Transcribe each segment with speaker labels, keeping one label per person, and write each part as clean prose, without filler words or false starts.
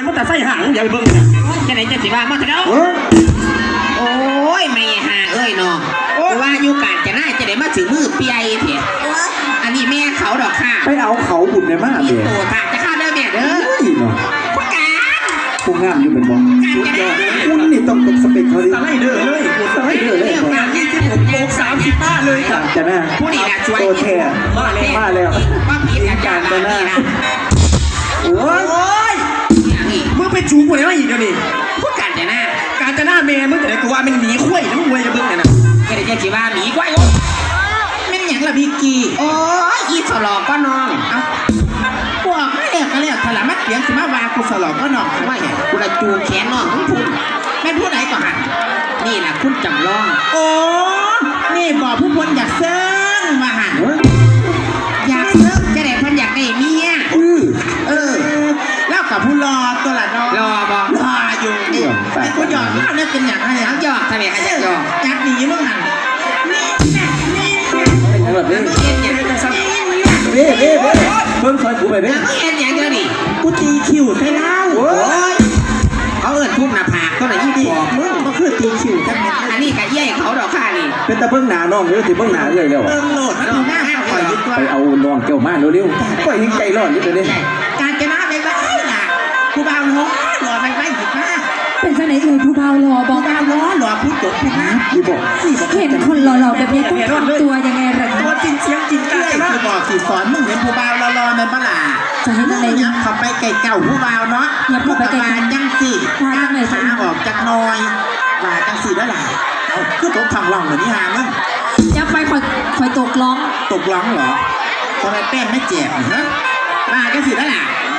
Speaker 1: มันแต่ไส้ห่างอย่าไปเบิ่งนะจะไหนจะสิว่ามาเถอะเนาะ
Speaker 2: โอ้ยไม่หาเอ้ยน้องว่าอยู่การจะน่าจะได้มาถือมือเปียเถอะอันนี้แม่เขาดอกค่ะ
Speaker 3: ไปเอาเขาบุญในมาก
Speaker 2: มี
Speaker 3: เลย
Speaker 2: ตัวค่ะจะเข้าเด้อแม่เด้อ
Speaker 3: เนาะ
Speaker 2: ผู้การ
Speaker 3: ผู้งามอยู่เป็นบ่คุณนี่ต้องตกสเปคเขาดิ
Speaker 1: สไลเดอร์เลย
Speaker 3: สไลเดอร์เลย
Speaker 2: เรื่องการที่ผม
Speaker 1: โบก30 ป้าเลยครับ
Speaker 3: จะหน้า
Speaker 2: ผู้นี่นะช่วย
Speaker 3: โตแท้มาแล้ว
Speaker 2: ว่าผิดการตัวนี้นะ
Speaker 3: โอ้ย
Speaker 2: อย่างนี้
Speaker 1: มึงไปจูบกูได้ไหมอีกเดี๋ยวนี้
Speaker 2: ผู้การจะน่า
Speaker 1: การจะหน้าแม่มึงแต่ไหนกูว่ามันหนีคุ้ยนะมึงเว้ยจะเบิ่งเนี่ยนะ
Speaker 2: ก็ได้จะสิว่าหมีกว้ายไม่อย่างละพี่กีโอ้ยอีสลอก็น้องเอ้าพวกไม่เลิกก็เลิกถลามัดเสียงสิมาว่ากูสลอก็น้องว่าไงกูละจูแขนน้องพูดแม่พูดไหนก่อนนี่แหละคุณจำลองโอ้นี่บอกผู้คนอยากเซิงมาหันอยากเซิงจะได้พันอยากได้เมียแล้วกับผู้รอตัวละน้องรอบอกรออยู่ไอ้ผู้หยอกเล่าเนี่ยเป็นอย่างไรเขาหยอกทำไมเขาอยากหยอกอยากหนีมึงหันนี่
Speaker 3: แบบนี้
Speaker 2: เอ็นอย่างจะซ้ำ
Speaker 3: เบ้เพิ่งซอยกูไปเบ้
Speaker 2: เอ็นอย่างเดียวดิกูตีคิวใช่แล้วโอ้ยเขาเอิญทุ่มหน้าผากเขาไหนยี่ดีมึงก็คือตีคิวทั้งนั้นอันนี้กับเย่เขาดอกค่านี่
Speaker 3: เป็นตะเพิ่งหนาน้องหรือสิเพิ่งหนาเลยแล้ว
Speaker 2: เติมโหลดมันดูหน้าคอยยึดตัว
Speaker 3: ไปเอาน้องเกี่ยวมาเร็วๆก็ยังใจร้อนนิดเดียว
Speaker 2: การจะมาไปบ้านล่ะกูบ่าวล้อหล่อไปบ้านหยิบมา
Speaker 4: เป็นจังไหนเอ่ยผู้เบาหล่อบอก
Speaker 2: บ่าวล้อหล่อพูดจบพูดนะ
Speaker 3: นี่บอก
Speaker 4: เห็นคนหล่อๆแบบนี้ต้องทำตัวยังไงหรอ
Speaker 1: ตัวจริงเสียงจริงกา
Speaker 2: เอ้
Speaker 1: ร
Speaker 2: ย
Speaker 1: จะหน้า
Speaker 2: คือบอกสิสอนมึงเห็นผู้บ่าวรอๆในบ้านล่ะ
Speaker 4: จะให้จังไหน
Speaker 2: ยับเข้าไปไก่เก่าผู้บ่าวเนาะจังสิขาออกจากน้อยว่าจังสิแล้วล่ะเอาคือตกทางร่องเหมือนนี่ฮะมึง
Speaker 4: ยับไปคอยตกล้อง
Speaker 2: ตกร้องเหรอทำไมแป้งไม่เจ็บฮะมาจังสิแล้วล่ะ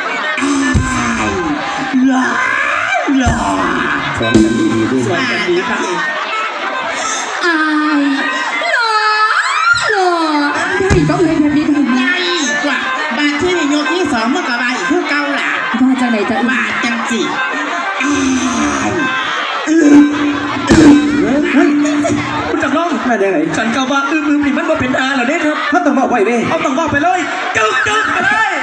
Speaker 2: หล่อ
Speaker 3: สอนกันดีๆด้วย
Speaker 2: สวยกันดีครับ
Speaker 4: อายหล่อได้ก็เลยแบบนี้ได้ไหม
Speaker 2: ใหญ่กว่าบาทที่โยกที่สองเมื่อกบาอีกคือเก่าล่ะ
Speaker 4: ว่าจังไหนจะ
Speaker 2: บาทจังสิ
Speaker 1: คุณจำลอง
Speaker 3: แม่ยังไง
Speaker 1: ฉันกล่าวว่านี่มันบ่เป็นอาเหรอเนี่ยครับ
Speaker 3: เขาต้องบอกไว้เบ้
Speaker 1: เอาต้องบอกไปเลยจึ๊กไปเลย